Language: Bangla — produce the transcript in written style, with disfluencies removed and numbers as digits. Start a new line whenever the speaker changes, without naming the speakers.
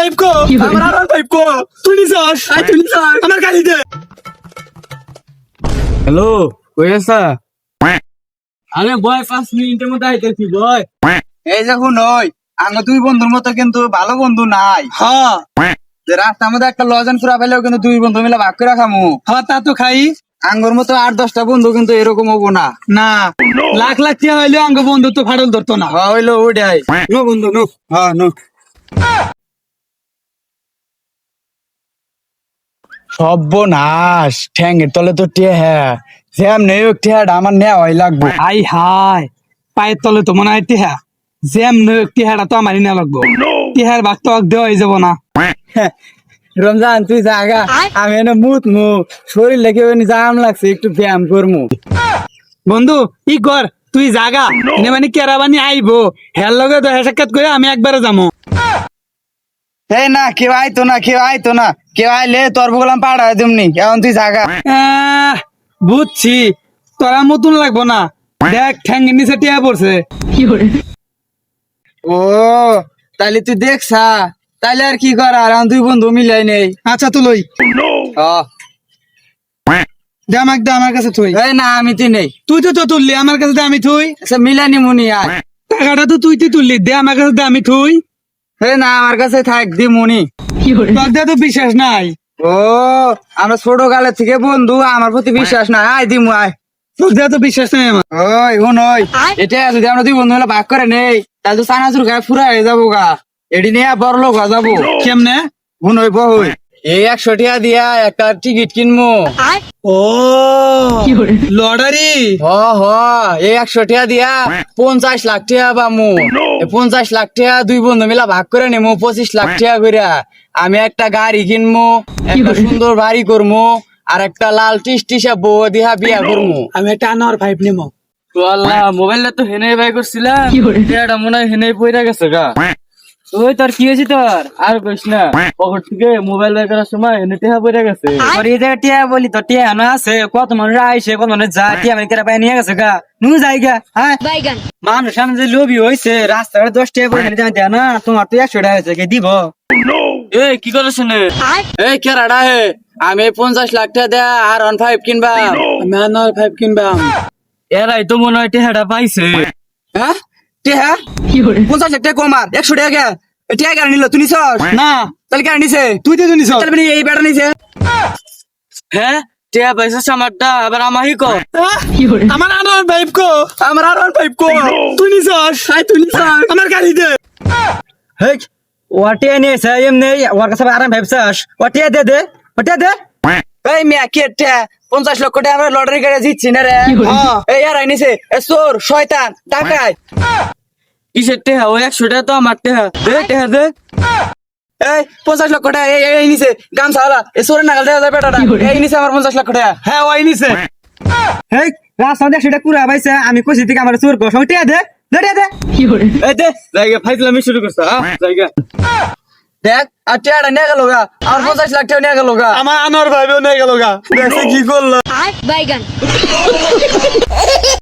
R15 কো আমার R15 কো তুই নিছস তুই নিছস আমার গাড়ি দে। হ্যালো কই আছা? আরে বয় 5 মিনিটের মধ্যে আইতেছি বয়।
এই যে শুনই আঙ্গ দুই বন্ধুর মতো কিন্তু ভালো বন্ধু নাই।
হ্যাঁ
যে রাস্তার মধ্যে একটা লজেন ফুরা পেলেও কিন্তু দুই বন্ধু মিলে ভাগ করে খামু।
হ্যাঁ তা তো খাই
আঙ্গুর মতো 8-10টা বন্ধু কিন্তু এরকম হবো না।
না লাখ লাখ টাকা হইলেও আঙ্গ বন্ধু তো ফাড়ল ধরতো না।
হইলো ওটাই
নো বন্ধু নো।
হ্যাঁ নো সর্বনাশ ঠ্যাঙ্গের তলে তো টেহা জ্যাম নেই টেহাটা আমার নেওয়াই লাগবো।
আই হাই পায়ের তলে তো মনে হয় টিহা জ্যাম নয় টিহাটা তো আমারই না লাগবো টিহার ভাগ তো দেওয়াই যাব না।
রমজান তুই জাগা আমি এনে মু শরীর লেগে জাম লাগছে একটু ব্যায়াম করমু।
বন্ধু ই কর তুই জাগা এনে মানে কেরাবানি আইবো হের লগে তো সাক্ষাৎ করে আমি একবারে যাবো।
এই না কেউ আইতো না কেউ আইলে তোর বগলাম পাড়ায় দিমনি এখন তুই জাগা।
বুঝছি তোরা মতন লাগবো না দেখ ঠ্যাঙ্গের নিচে টিয়া পড়ছে।
ও তাইলে তুই দেখছা তাইলে আর কি করার এখন দুই বন্ধু মিলাই নেই।
আচ্ছা তো লই
ও
দে আমাকে দে আমার কাছে থুই।
এই না আমি তুই নেই
তুই তো তুললি আমার কাছে দে আমি থুই।
আচ্ছা মিলানি মুনি আয়।
টাকাটা তো তুই তুললি দে আমার কাছে দে আমি থুই।
হে না আমার কাছে থাক দি মুনি।
তোর দে তো বিশ্বাস নাই।
ও আমরা ছোট কালের থেকে বন্ধু আমার প্রতি বিশ্বাস না আয় দিমু আয়।
তোর দে তো বিশ্বাস নাই আমার।
ওই হুন ওই এটা যদি আমরা দুই বন্ধু মিলে ভাগ করে নেই তাহলে তো চানাচুর গায়ে ফুরা হয়ে যাবো গা এটি নিয়ে বড় লোক হয়ে যাবো।
কেমনে?
হুন ওই বহুই এই 100 টাকা দিয়া একটা টিকিট কিনবো।
ও লটারি
হ হ এই 100 টাকা দিয়া 50 লাখ টাকা পামু। 50 লাখ টাকা দুই বন্ধু মিলা ভাগ করে নেমু 25 লাখ টাকা করে আমি একটা গাড়ি কিনবো একটা সুন্দর বাড়ি করবো আর একটা লাল টিসটিসা বউ দিয়া বিয়া করবো।
আমি একটা আনোয়ার 5 নিমো।
তো আল্লাহ মোবাইলটা তো হেনে বাই করছিলাম এটা মনে হয় হেনে পইরা গেছে গা। ওই তোর কি হয়েছে তোর আর কইস না পকেট থেকে মোবাইল বাই করার সময় হেনে টেহা পইরা গেছে।
আর এই জায়গায় টিয়া বলি তো টিয়া না আছে কত মানুষ আইসে কত মানুষ যায় টিয়া মানে কেরা পাই নিয়ে গেছে গা নু যাইগা হ্যাঁ মানুষ সামনে যে লোভি হয়েছে রাস্তাঘাটে 10 টাকা করে জানতে না তোমার তো 100 টাকা হয়েছে কে দিব।
এই কি করছ নে?
এই কেরাডা হে আমি 50 লাখ টাকা দেয়া আর 15 কিনবা।
আমি আনোয়ার 5 কিনবাম।
এরাই তো মনে হয় টেহাটা পাইছে।
হ্যাঁ টেহা 50 লাখ টাকা কমার 100 টাকা টেহা গাড়ি নিল তুই নিছস
না
তাহলে গাড়ি নিছে
তুই তো নিছ।
তাহলে মানে এই বেটা নিছে।
হ্যাঁ টেহা পাইছে আমারটা আবার আমাহি কর।
আমার আনোয়ার 5 কো আমার R15 কো তুই নিছস তুই নিছস আমার গাড়ি দে।
হেই ওটিয়া নিয়েছে এমনি ওর কাছে আরাম ভাবছাস ওটিয়া দে দে ওটিয়া দে।
এই মিয়া কে টেহা 50 লক্ষ টাকা আমরা লটারি করে জিতছি না রে। এই আর নিছে এ চোর শয়তান টাকায়।
কিসের টেহা? ওই 100 টাকা তো আমার টেহা দে টেহা দে।
এই 50 লক্ষ টাকা এই নিছে গামছাওয়ালা এ চোরের নাগাল দেওয়া যায় বেটাটা এই নিছে আমার 50 লক্ষ টাকা।
হ্যাঁ ওই নিছে।
হেই রাস্তা দেখ সেটা কুড়া পাইছে আমি কইছি তুই আমার চোর কর টিয়া দে দে টিয়া দে।
এই দে জায়গা ফাইজলামি শুরু করছ জায়গা।
দেখ আর টেহাটা নিয়ে গেল গা আর 50 লাখ টাকা নিয়ে গেল গা।
আমার আনোয়ার 5ও নিয়ে গেল গা দেখছে কি করলো।
Bye, Bye.